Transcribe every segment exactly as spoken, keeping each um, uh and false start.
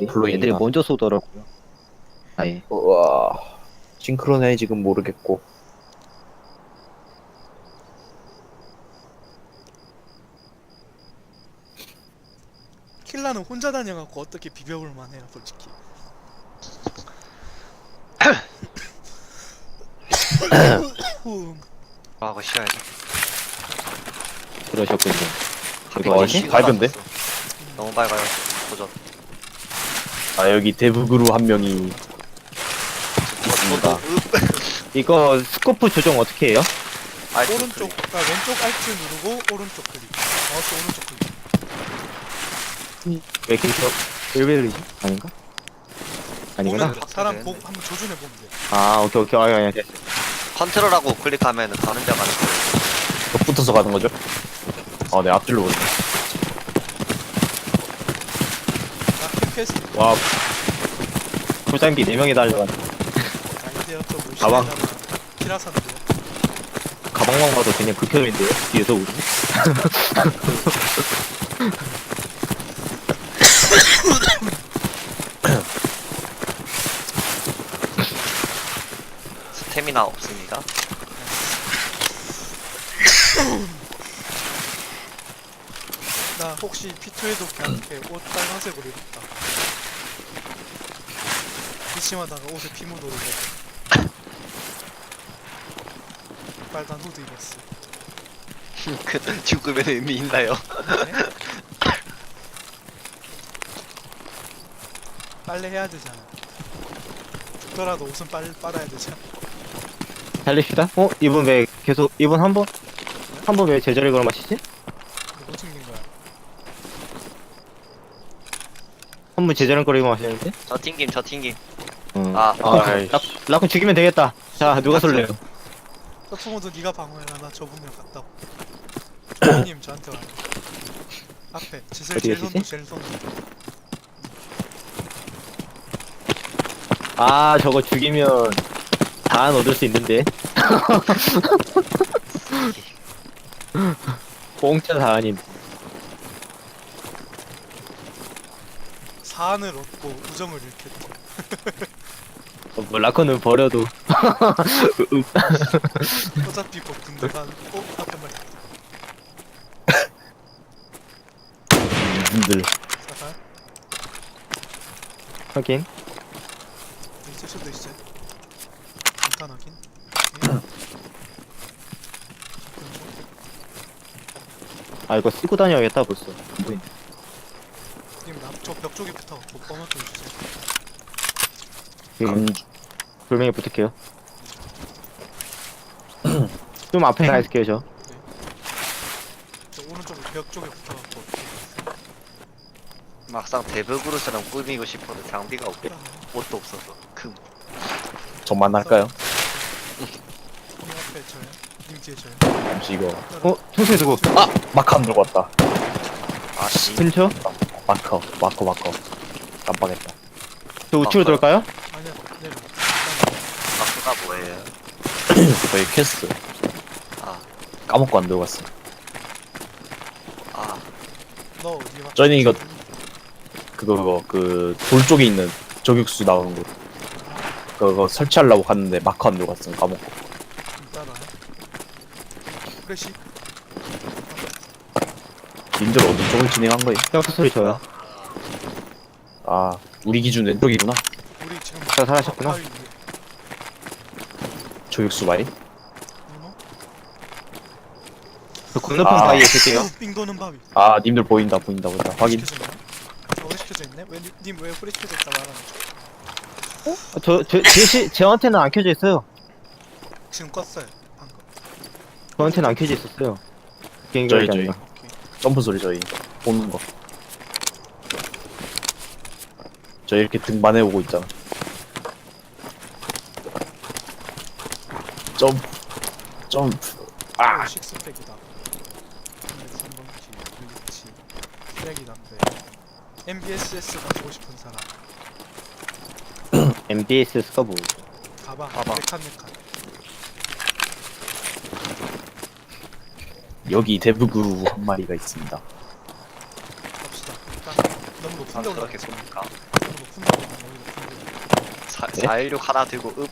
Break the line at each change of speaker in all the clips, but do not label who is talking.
애들이
플로잉이다.
애들이 먼저 쏘더라고요. 아예.
우와. 싱크로네 지금 모르겠고.
킬라는 혼자 다녀갖고 어떻게 비벼볼 만해요 솔직히. 후.
아, 그거 쉬어야지.
그러셨군요.
이거
뭐지?
씨, 밝은데?
너무 밝아요. 도전.
아 여기 대북으로 한 명이 있습니다.
이거 스코프 조정 어떻게 해요?
아,
오른쪽, 아, 왼쪽 알트 누르고 오른쪽 클릭. 마우스 오른쪽 클릭.
왜 계속 일베리지 아닌가? 아니구나.
보면 사람 보고 한번 조준해 보면 돼.
아 오케이 오케이 아니 아니 됐어.
컨트롤하고 클릭하면 가는 데 가는 거예요.
붙어서 가는 거죠? 아, 네 앞줄로 보네.
나캠 퀘스트.
와,
불장비 네 명이 달려가.
아이디어 또
가방.
무시하다가 키라산데요.
가방만 봐도 그냥 극혐인데요. 뒤에서 우리.
스태미나 없습니다.
나 혹시 피투에도 그냥 이렇게 옷 빨간색으로 입었다. 기침하다가 옷에 피 묻어오고 빨간 후드 입었어.
그 죽으면 의미 있나요?
네? 빨래 해야 되잖아. 죽더라도 옷은 빨, 빨아야 되잖아.
달립시다. 어 이분 왜 계속 이분 한 번? 한 번 왜 제자리 걸어 마시지?
누구 챙긴 거야?
한 분 제자리 걸어 마시는데?
저 튕김, 저 튕김.
응.
아,
아,
아이씨.
라, 라쿤 죽이면 되겠다. 자 누가 쏠래요?
서풍호도 네가 방어해라. 나 저분이랑 갔다 올게. 님 저한테 와요. 앞에 지슬
어디
제일
계시지?
손도 제일 손도.
아 저거 죽이면 다안 얻을 수 있는데. 공짜 다안인.
사안을 얻고 우정을 잃겠다.
어, 뭐 라쿤은 버려도.
어차피 뭐 군대 간. 어? 앞에 말이야.
분들.
사살?
하긴.
있을 수도 있어요. 잠깐 확인. 네.
아 이거 쓰고 다녀야겠다 벌써.
님, 저벽 쪽에 붙어갖고 번호 좀 주세요.
음, 돌멩이 붙을게요. 좀 앞에 가 있을게요 저.
저 오른쪽 벽 쪽에 붙어갖고.
막상 대벽으로처럼 꾸미고 싶어도 장비가 없고 옷도 없어서 금.
저만 할까요?
님 앞에 저요? 님 뒤에 저요?
잠시 이거.
어 총소리 두고.
아, 마커 안 들고 왔다.
아씨.
근처?
마커, 마커, 마커. 깜빡했다.
저 우측으로
아,
돌까요?
아니야, 내려.
마크가 뭐예요?
저희 퀘스트
아,
까먹고 안 들고 왔어.
아,
너 어디 맞
저희는 이거 그거 그거 그 돌 쪽에 있는 저격수 나오는 거. 그거 설치하려고 갔는데 마커 안 들고 왔어. 까먹고.
따라와요. 프레시.
님들 어느 쪽을 진행한 거예요?
형 소리 줘요.
아, 우리 기준 왼쪽이구나.
우리 지금
저 살아셨구나.
바위 위에.
저격수 바위.
누노?
저 건너편
아.
바위에 있을게요.
빙 도는 바위.
아, 님들 보인다, 보인다, 보인다. 확인.
시켜져 있네? 저거 시켜져 있네? 왜, 님 왜 프레시켜져 있다 말하는 거?
어, 저, 저, 제, 시, 제한테는 안 켜져 있어요.
지금 껐어요, 방금.
저한테는 안 켜져 있었어요. 비행기
저희,
가
저희.
아니라.
오케이.
점프 소리 저희 보는 거. 저 이렇게 등반해 오고 있잖아. 점프, 점프.
아! 식스팩이다. 삼 번 키, 블리치, 쓰레기 담배. 엠비에스에스 가지고 싶은 사람.
엠비에스가 뭐?
가방,
가방.
메칸 메칸.
여기 대부그루 한 마리가 있습니다.
갑시다. 일단 너무 높은데
아,
올라가.
그렇게 쏩니까?
너무
사일육 하나 들고 읍.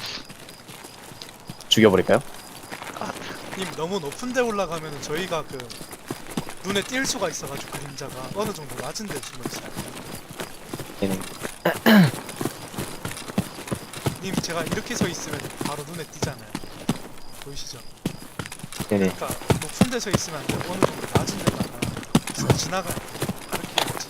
죽여버릴까요?
님 너무 높은 데 올라가면은 저희가 그 눈에 띌 수가 있어가지고 그림자가 어느 정도 낮은 데 숨어 있어요.
네네.
님 제가 이렇게 서 있으면 바로 눈에 띄잖아요. 보이시죠?
네네.
그러니까 높은 데 서 있으면 안 되고 어느 정도 낮은 데다가 쓱 지나가야 돼. 그렇게 해야지.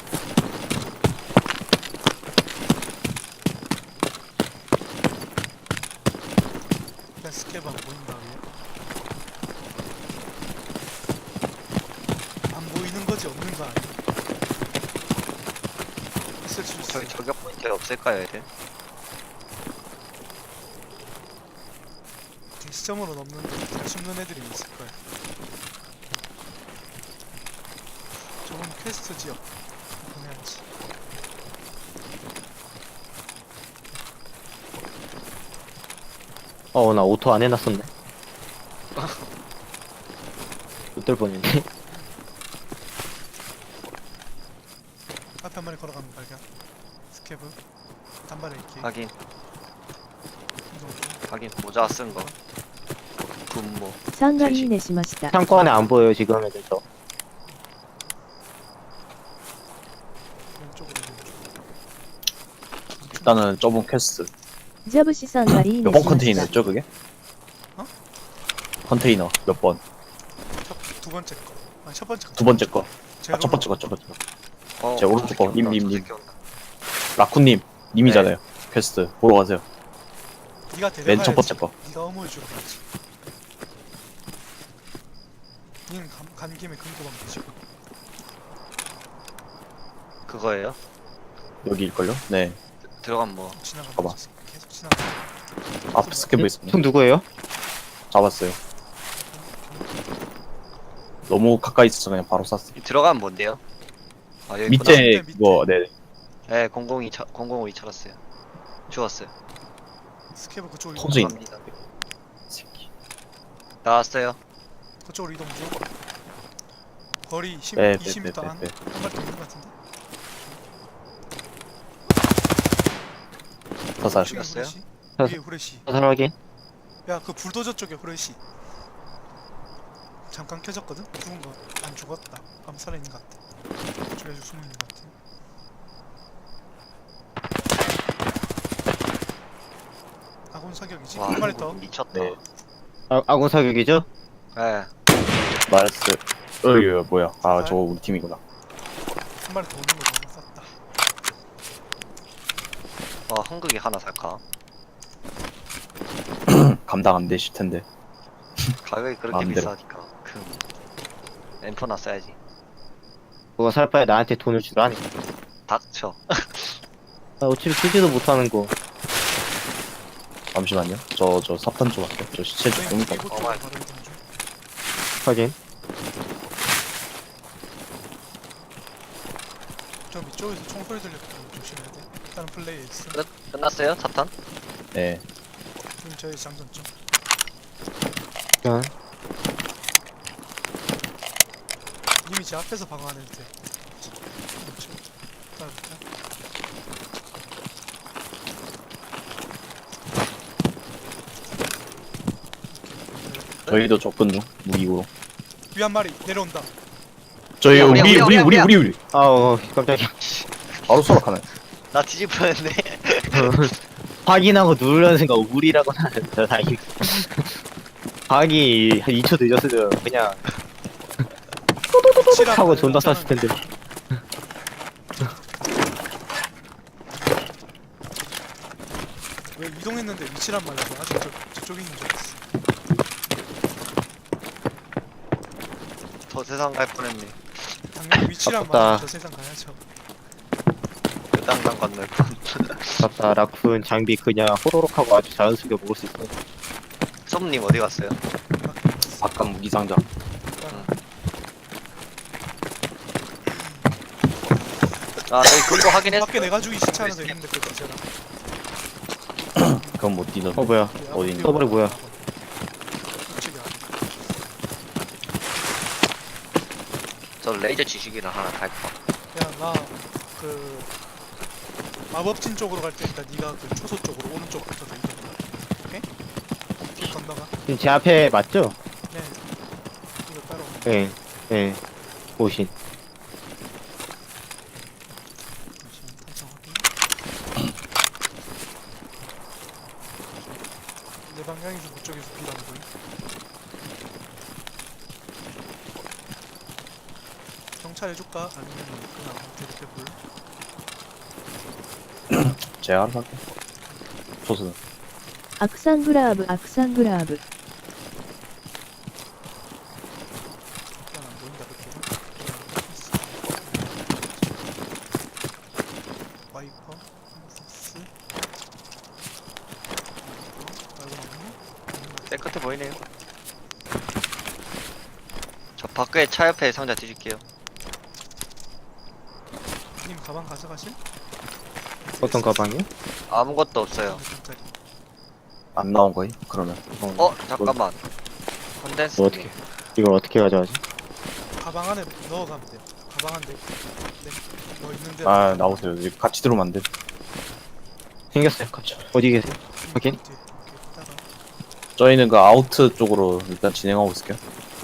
일단 스케브 안 보인다 위에. 안 보이는 거지 없는 거 아니야? 있을 수 있어.
저기 저격 포인트 없을까요, 애들?
시점으로 넘는데 잘 숨는 애들이 있을 거야. 저건 퀘스트 지역 보내야지.
어, 나 오토 안 해놨었네. 못들 뻔했네.
앞에 한 마리 걸어가는 발견. 스케브 단발에 있기.
확인,
이동 중.
확인. 모자 쓴 거. 분모.
三がいいねしました。
창고 안에 안 보여요, 지금 애들 저.
왼쪽으로 이동 중.
일단은 좁은 퀘스트.
ジャブシさんがいい
몇
ね
번
しまし
컨테이너였죠 그게?
어?
컨테이너 몇 번?
첫, 두 번째 거. 아니 첫 번째 거.
두 번째 거.
제가
아, 첫 번째 거, 첫 번째 거.
어,
제 오른쪽
저 새끼
거,
온다,
님,
저
님, 님.
새끼 온다.
라쿤님, 님이잖아요. 퀘스트 보러 가세요.
네가
맨
데려가야지.
첫 번째 거.
네가 어머니 주러 가야지. 니는 간, 간 김에 금고방 드시고.
그거예요?
여기일걸요? 네.
들어가면 뭐.
지나가면
봐봐.
되지. 계속 지나가.
앞에 스케브 있었네.
총 누구예요?
잡았어요. 너무 가까이 있어서 그냥 바로 쐈어.
이 들어가면 뭔데요? 아 여기
밑에
밑에, 밑에.
그거, 네.
네, 공공이 차, 공공이 찾았어요. 죽었어요.
스케브 그쪽으로
터져
이동.
있네.
갑니다.
새끼.
나왔어요.
그쪽으로 이동 중. 거리 십,
네, 네,
이십 미터
네,
안.
네,
한 발더 있는 것 같은데.
사살.
지금
죽였어요?
후레쉬?
사살.
위에 후레쉬.
사살하게.
야, 그 불도저 쪽에 후레쉬. 잠깐 켜졌거든? 죽은 거 안 죽었다. 아무 살아있는 것 같아. 저기 아주 숨어있는 것 같아. 아군 사격이지?
와,
한 마리 더.
미쳤다.
네.
아, 아군 사격이죠?
네.
나이스. 어이, 뭐야. 아,
사살?
저거 우리 팀이구나.
한 마리 더 오는 거 너무 쌌다.
어, 한국이 하나 살까?
감당 안 되실 텐데.
가격이 그렇게
마음대로.
비싸니까. 그 엠퍼나 써야지.
그거 살 바에 나한테 돈을 주라니.
닥쳐.
나 어차피 쓰지도 못하는 거.
잠시만요. 저, 저 사탄 좀 할게요. 저 시체 좀
네,
좀
이곳 쪽으로
어마이.
바로 이동 중.
확인.
저 위쪽에서 총소리 들렸고 조심해야 돼. 일단은 플레이에 있어.
끝? 끝났어요? 사탄?
네.
지금 저희 장전점.
그냥
님이 제 앞에서 방어 안 해도 돼. 그렇죠. 따라줄까?
저희도 접근 중. 무기고로.
위 한 마리 내려온다.
저희,
야,
우리,
우리야,
우리,
우리야,
우리,
우리야.
우리, 우리.
아우, 깜짝이야.
바로 수락하네.
나 뒤집어냈네.
확인하고 누르려는 생각 우리라고 하는 저 다행히. 확이 한 이 초 늦었으면 그냥
치라고
하고 존나 쐈을 텐데.
왜 이동했는데 위치란 말이야? 아직 저, 저쪽에 있는 줄 알았어.
저 세상 갈 뻔했네.
당연히 위치란
아깝다.
말이야. 저 세상 가야죠.
그 땅땅 건널 뻔.
맞다, 라쿤 장비 그냥 호로록 하고 아주 자연스럽게 먹을 수 있어.
솜님 어디 갔어요?
바깥 무기상자.
아, 저기 금고 확인했어.
밖에 내가 주기 시체 하나 더 있는데 그거 제가.
그건 못 뛰던데.
어, 뭐야.
어디 있는
서버리 뭐야?
우측에 아래.
저 레이저 지식이랑 하나 갈까?
야, 나 그 마법진 쪽으로 갈 테니까 네가 그 초소 쪽으로 오른쪽부터 더 이동해. 오케이? 길 건너가.
지금 제 앞에 맞죠?
네. 이거 따로.
예, 예. 오신.
잠시만 탄창 확인. 내 방향에서 그쪽에서 비가 안 보임. 경찰 해줄까? 아니면 그냥 이렇게 불?
제가 알아서 할게. 소스는.
악상그라브 악상그라브.
그냥 안 보인다 그쪽은. 와이퍼, 스 말고 나오네?
내 끝에 보이네요. 저 밖에 차 옆에 상자 뒤질게요.
님 가방 가져가실?
어떤 가방이요?
아무것도 없어요.
몇짜리
안 나온 거임? 그러면.
어 잠깐만. 컨덴스.
뭐 어떻게, 이걸 어떻게 가져가지?
가방 안에 넣어가면 돼요. 가방 안에 네, 뭐 있는데
아, 나오세요. 이제 같이 들어오면 안 돼.
생겼어요. 갑자기. 어디 계세요? 확인.
이렇게 있다가
저희는 그 아우트 쪽으로 일단 진행하고 있을게요.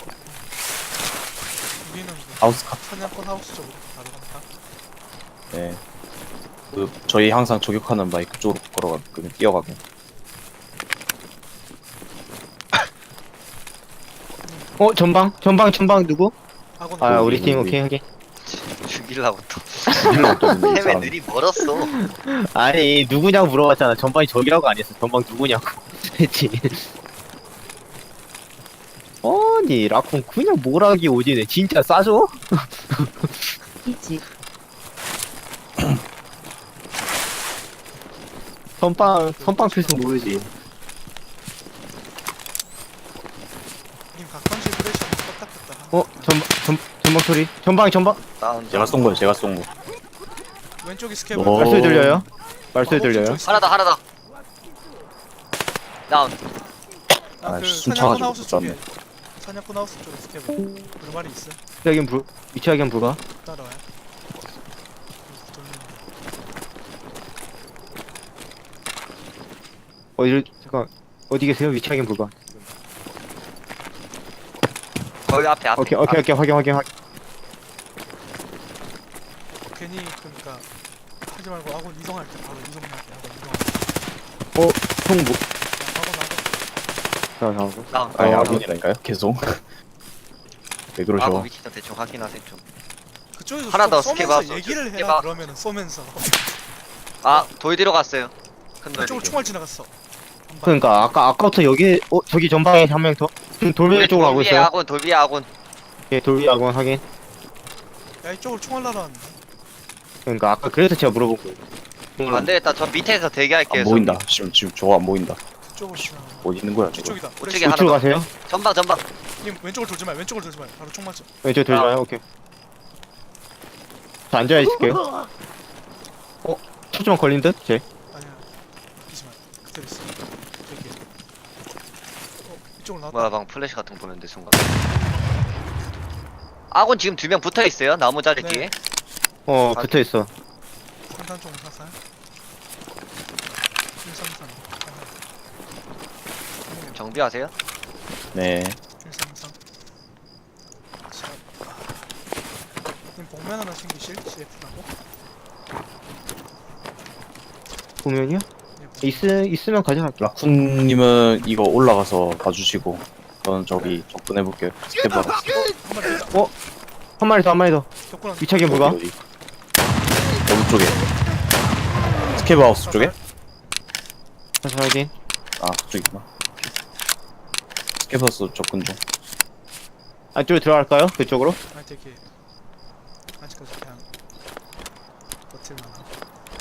우리는 그
하우스 카.
사냥꾼 하우스 쪽으로 바로 간다.
네. 그 저희 항상 저격하는 바이 그쪽으로 걸어가거든요. 뛰어가게.
어, 전방? 전방, 전방 누구?
아군
아,
하우스.
우리 팀,
우리.
오케이, 확인.
죽일라고 또.
일로 또 있는데, 이
햄에
사람.
느리 멀었어.
아니, 누구냐고 물어봤잖아. 전방이 저기라고 안 했어. 전방 누구냐고. 했지. 아니, 라쿤 그냥 뭐라기 오지네. 진짜 싸줘?
이지.
선빵, 선빵 필수 모르지.
님 각방실 프레시 껐다 켰다.
어, 전방, 전, 전방 소리. 전방, 전방.
다운.
제가 쏜 거예요. 제가 쏜 거.
왼쪽이 스케브.
오.
말소리 들려요? 말소리
마법진
들려요?
쪽 스케브.
하나 더 하나 더. 다운.
아,
아,
그
숨
사냥꾼
차가지고
하우스
못
쪽에
쐈네.
사냥꾼 하우스 쪽에 스케브. 그 말이 있어.
위치 확인 불, 위치 확인 불가?
따라와요. 돌리는 거.
어디를, 잠깐, 어디 계세요? 위치 확인 불가.
거기 앞에 앞에.
오케이, 오케이, 오케이, 확인, 확인, 확인.
괜히 그러니까 하지 말고 아군 이동할 때 바로 이동해야 돼. 아군 이동할 때.
어, 총 뭐,
아군 아군.
자, 자고.
다운.
아니,
어,
아군이라니까요? 계속. 왜
아군
그러셔?
위치도 대충 확인하세요 좀.
그쪽에서
하나
좀
더
쏘면서
스케브 하우스.
얘기를
스케브
해라
하우스.
그러면은 쏘면서
아 돌 뒤로 갔어요. 큰 돌.
그쪽으로 총알 지나갔어. 한 발.
그러니까, 아까, 아까부터 여기, 어, 저기 전방에 한 명 더. 지금 돌멩이 쪽으로 가고
돌 위에
있어요.
아군 돌 위에 아군.
예, 돌 위에 아군 확인.
야 이쪽으로 총알 날아왔네.
그러니까, 아까 그래서 제가 물어본 거예요.
안 되겠다. 저 밑에서 대기할게요.
안 보인다. 지금, 지금 저거 안 보인다.
그쪽으로 지나가.
어디 있는 거야, 저거?
이쪽이다.
우측에
프레시.
하나
우측으로
더.
가세요?
전방 전방.
님 왼쪽을 돌지 마. 왼쪽을 돌지 마. 바로 총 맞죠.
왼쪽 돌지
아.
마요, 오케이. 저 앉아 있을게요. 어, 초점 걸린 듯? 제.
아니야. 이지 마. 그대로 있어. 여기. 어 이쪽으로 나왔다.
뭐야 방 플래시 같은 거 보는데 순간. 아군 지금 두 명 붙어 있어요. 나무 자리
네.
뒤에.
어,
아,
붙어 있어.
산탄총 사살. 일삼삼.
정비하세요.
네.
일삼삼. 자. 님 복면 하나 챙기실? 씨에프라고?
보면요?
네, 복면.
있, 있으면 가져갈게요.
라쿤님은 이거 올라가서 봐주시고, 저는 저기 접근해볼게요. 스텝 알았어.
한 마리 더 있다.
한 마리 더, 한 마리 더.
격군한
위치 확인 불가?
어디, 어디? 어느 쪽에? 스케브 하우스 쪽에?
다시 확인.
아, 그쪽이구나. 스케브 하우스 접근 중.
안쪽으로 들어갈까요? 그쪽으로?
아 되게 아직까지 그냥 버틸만한.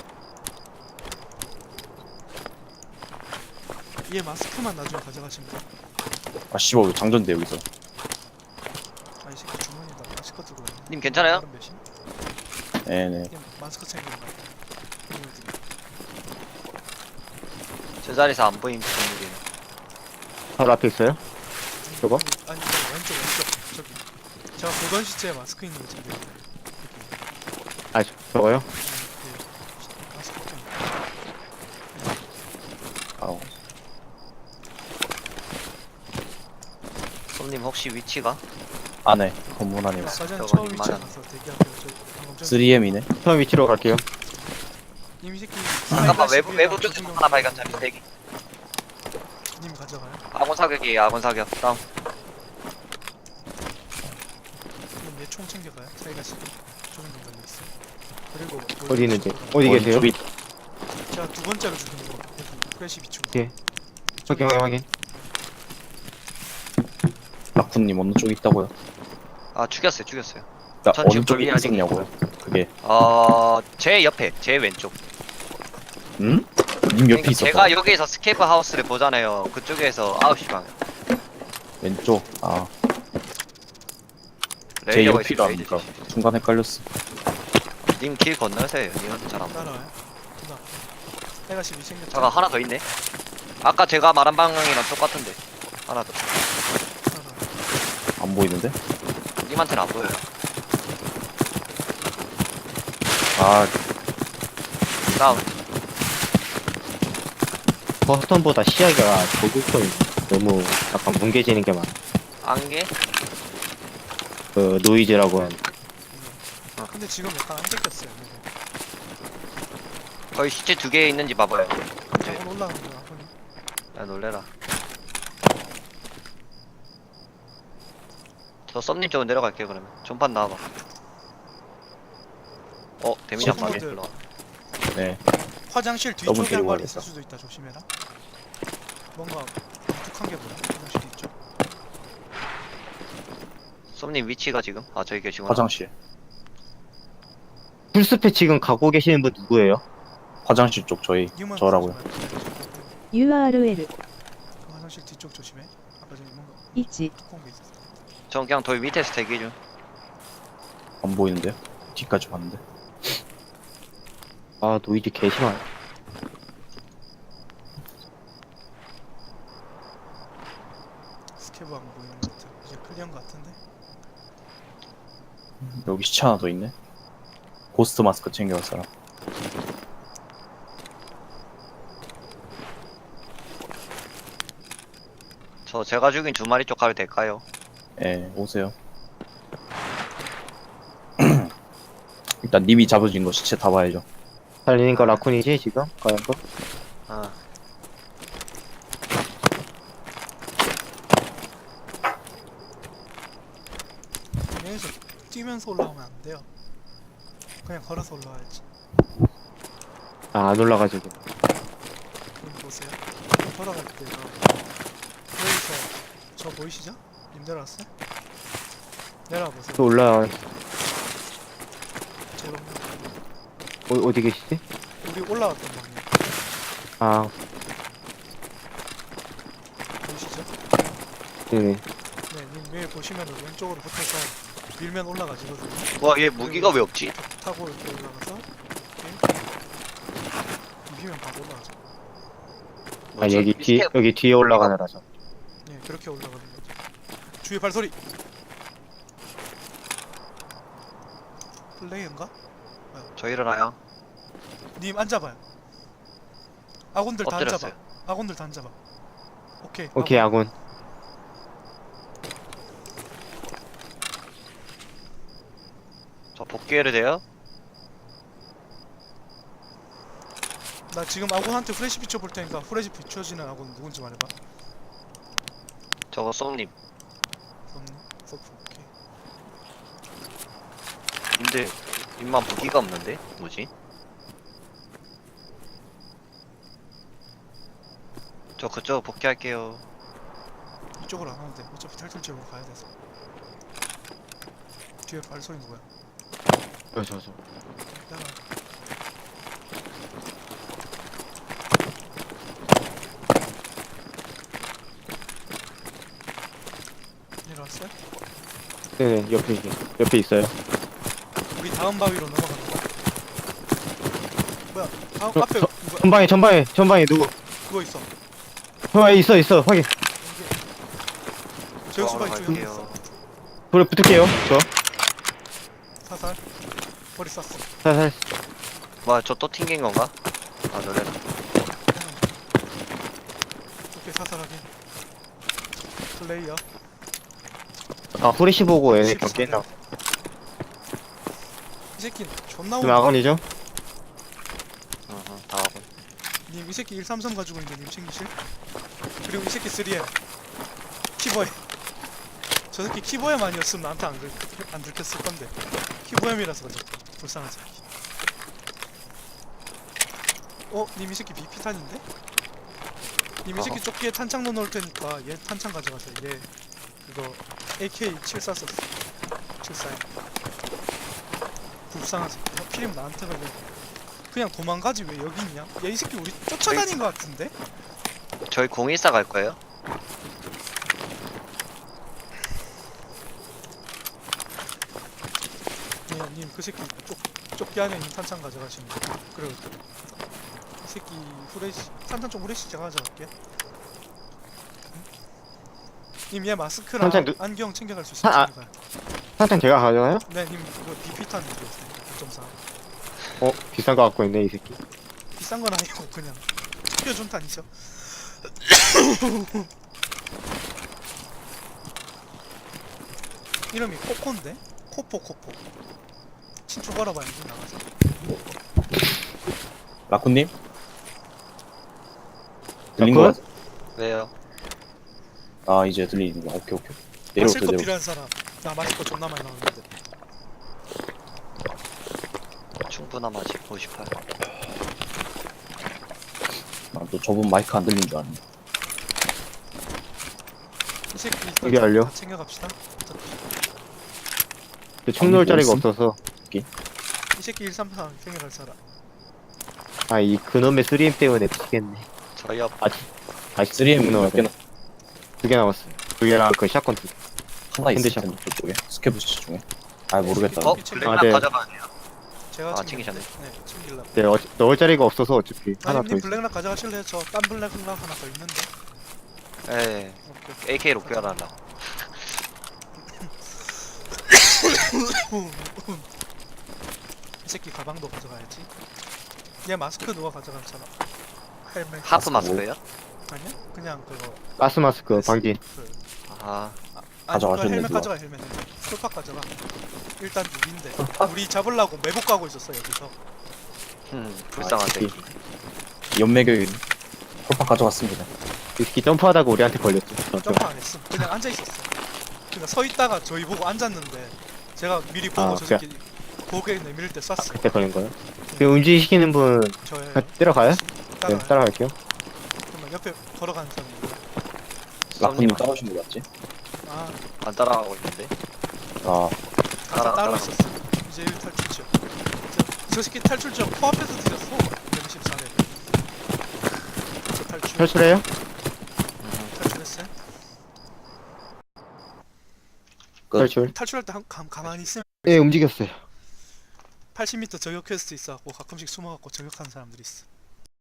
얘 마스크만 나중에 가져가시면 돼.
아, 씨발, 왜 장전돼, 여기서.
아이 새끼 주머니에다 마스크 들고 있네.
님 괜찮아요?
다른 배신?
네네.
얘 마스크 챙기는 거 같아.
저 자리에서 안 보임 건물이.
바로 앞에 있어요? 저거?
아니 저거 왼쪽 왼쪽 저기 제가 보던 시체에 마스크 있는 거 챙겨요.
아, 저- 저거요?
네, 마스크 좀
썸님 혹시 위치가?
안에 건물 안에 있어.
사전
저거
처음 위치
이만한.
가서 대기하세요. 저 방금 전
쓰리 엠이네.
처음 위치로 갈게요.
님 새끼
잠깐만 외부
사이버
외부
시비에다
쪽에서
조준경
하나 발견자리 대기.
님 가져가요.
아군 사격이 아군 사격. 다음.
그럼 얘총 챙겨가요. 사이가 시비 조준경 걸려 있어. 그리고
어디 있는지. 어디 계세요?
원쪽이
제가 두 번째로 죽인 거 여기 프레시 비추.
예. 확인, 확인, 확인.
라쿤님 어느 쪽에 있다고요?
아 죽였어요 죽였어요.
그러니까
전
어느
지금
쪽에
돌리 아직
있었냐고요? 그게
어제 옆에 제 왼쪽.
음? 님 옆에
그러니까
있었어.
제가 여기서 스케이프 하우스를 보잖아요. 그쪽에서 아홉 시 방향.
왼쪽. 아, 제
레이저가
옆이라
있어요.
하니까 순간 헷갈렸어.
님길 건너세요. 님은 잘안 보여.
따라와요. 누나. 사이가 시비 챙겼죠.
잠깐 하나 더 있네. 아까 제가 말한 방향이랑 똑같은데. 하나 더.
따라와요.
안 보이는데?
님한테는 안 보여요.
아,
다음.
버스턴보다 시야가 조국성이 너무 약간 뭉개지는 게 많아.
안개?
그 노이즈라고 하는.
아, 근데 지금 약간 안 뺏겼어요.
거의 시체 두 개 있는지 봐봐요.
저건 올라가는 거야. 아버님.
야 놀래라. 저 썸님 쪽으로 내려갈게요 그러면. 전판 나와봐. 어 데미지 안 맞네.
썸님들.
일로 와.
네.
화장실
더블
뒤쪽에 한
데리고
마리 있을
가야겠다.
수도 있다. 조심해라. 뭔가 독특한 게 뭐야? 화장실 뒤쪽.
썸님 위치가 지금? 아 저기 계시구나.
화장실.
풀스페 지금 가고 계시는 분 누구예요?
화장실 쪽 저희
님은
저라고요.
유알엘
그 화장실 뒤쪽 조심해. 아까 전에 뭔가
있지.
두꺼운 게 있었어.
전 그냥 돌 밑에서 대기 중.
안 보이는데요? 뒤까지 봤는데.
아, 노이즈 개심하네.
스케브 안 보이는 것 같아. 이제 클리어인 것 같은데.
여기 시체 하나 더 있네. 고스트 마스크 챙겨갈 사람.
저 제가 죽인 두 마리 쪽 가도 될까요?
예, 오세요. 일단 님이 잡아진 거 시체 다 봐야죠.
달리는 거 라쿤이지 지금? 가는 거?
아
여기서 뛰면서 올라오면 안 돼요. 그냥 걸어서 올라와야지.
아, 안 올라가지고.
님 보세요. 걸어갈 때요. 여기서 저 보이시죠? 님 내려왔어요? 내려와 보세요.
또 올라,
제가
어, 어디 계시지?
우리 올라왔던 방향
아,
보이시죠?
네네.
네, 님 위에 보시면은 왼쪽으로 붙어서 밀면 올라가지거든요.
와 얘 무기가 왜 없지?
타고 이렇게 올라가서 이렇게 비비면 바로 올라가죠.
아,
뭐지?
여기 뒤,
스텝.
여기 뒤에 올라가느라서.
네, 그렇게 올라가는 거죠. 주위에 발소리. 플레이인가?
저 일어나요.
님 앉아봐요. 아군들 다 앉아봐.
엎드렸어요.
아군들 다 앉아봐. 오케이.
오케이,
아군.
아군.
저 복귀해도 돼요?
나 지금 아군한테 후레쉬 비춰볼 테니까 후레쉬 비춰지는 아군 누군지 말해봐.
저거 썸님.
없니? 서프. 오케이.
근데 님만 무기가 없는데? 뭐지? 저 그쪽 복귀할게요.
이쪽으로 안 와도 돼. 어차피 탈출지역으로 가야 돼서. 뒤에 발소리 누구야?
저, 저, 저.
따라. 내려왔어요?
네네, 옆에, 있- 옆에 있어요.
우리 다음 바위로 넘어가는 거야. 뭐야? 다음
저-
앞에
저-
누가
전방에, 전방에, 전방에 누구?
그거 있어.
전방에 있어, 있어. 확인.
제우스바
저
이쪽에
갈게요.
있어.
불에 붙을게요. 저.
사살. 머리 쐈어.
살살.
뭐야 저 또 튕긴 건가? 아 놀래라.
오케이 사살하게. 플레이어.
아 후레쉬 보고 얘네
십사 대.
경기했나?
이 새끼 존나
지금
오네.
아건이죠?
응, 응, 다 하고.
님 이 새끼 일삼삼 가지고 있는데 님 챙기실? 그리고 이 새끼 쓰리엠 키보엠. 저 새끼 키보엠 아니었으면 나한테 안, 들, 안 들켰을 건데 키보엠이라서 그래. 불쌍한 새끼. 어? 님 이 새끼 비피탄인데? 님 이 새끼
어허.
조끼에 탄창 넣어놓을 테니까 얘 탄창 가져가세요. 얘 그거 에이케이 칠십사 썼어. 칠십사. 불쌍한 새끼. 하필이면 나한테 걸려. 그냥 도망가지 왜 여기 있냐? 야 이 새끼 우리 쫓아다닌 것 같은데?
저희 공일사 갈 거예요?
님 그 새끼 쪽, 쪽기 안에 있는 탄창 가져가시면 돼요. 그리고 이 새끼 후레쉬 탄창 좀 후레쉬 제가 가져갈게. 님 얘 마스크랑
탄창 누-
안경 챙겨갈 수
아, 아.
있으니까.
탄탄 제가 가져가요?
네, 님 이거 비피탄 드렸어요. 구 점 사.
어 비싼 거 갖고 있네 이 새끼.
비싼 건 아니고 그냥 챙겨준 탄이죠. 이름이 코코인데? 코포 코포. 친추 걸어봐야지 나가서.
라쿤님? 들린 거
라쿤?
같아.
왜요?
아 이제 들리는구나. 오케이 오케이.
마실
내려오세요
거
내려.
필요한 사람. 나 마실 거 존나 많이 나오는데.
충분함하지 오십팔.
아또 저분 마이크 안 들린 줄 알았네.
이 새끼
이게 알려?
다 챙겨갑시다. 어차피
그 총 놓을
아니,
자리가
뭐
없어서.
이 새끼 일삼삼 챙겨갈 사람.
아 이 그놈의 쓰리엠 때문에 미치겠네.
저희 옆
아직 아직
쓰리엠
두
몇
개나
개나
두 개 남았어. 두 개랑 그 샷건 두 개.
하나 있을
핸드샷.
텐데 저쪽에 스케브시 중에. 아 모르겠다.
어?
이 새끼
블랙락
아, 네.
가져가네요.
제가
아,
챙겼는데.
챙기셨네.
네, 챙길라.
네 어, 넣을 자리가 없어서 어차피 하나
아니
더
님
있어.
블랙락 가져가실래요? 저 딴 블랙락 하나 더 있는데.
예.
오케이.
에이케이로 교환하려고.
이 새끼 가방도 가져가야지. 얘 마스크 누가 가져간 사람? 헬멧.
하프 마스크예요?
아니야? 그냥 그거.
가스 마스크 방진.
그,
아,
아니 그거
가져가셨네,
헬멧
누가.
가져가 헬멧. 풀팍 가져가. 일단 누군데? 우리 잡으려고 매복 가고 있었어 여기서.
음, 불쌍한
아,
새끼.
연매교인 홀팍 가져갔습니다.
이 새끼 점프하다가 우리한테 걸렸죠. 저, 저.
점프 안 했음. 그냥 앉아 있었어. 그냥 서 있다가 저희 보고 앉았는데 제가 미리 보고
아,
저 새끼 고개 내밀 때 쐈어.
그때 걸린 거요? 그 움직이시는 분
저의
같이 따라가요? 네
따라.
따라갈게요.
그러면 옆에 걸어가는 사람이.
라쿤님
썸님
따라오신 거 맞지?
아,
안 따라가고 있는데.
아
따로,
따라-
따로
따라.
있었어. 이제 탈출죠. 저, 저 새끼 탈출죠. 코앞에서 뒤졌어. 백십사 회. 저 탈출.
탈출해요?
음,
탈출했어요?
끝.
탈출.
탈출할 때 한, 감, 가만히 있으면
예 움직였어요.
팔십 미터 저격 퀘스트 있어갖고 가끔씩 숨어갖고 저격하는 사람들이 있어.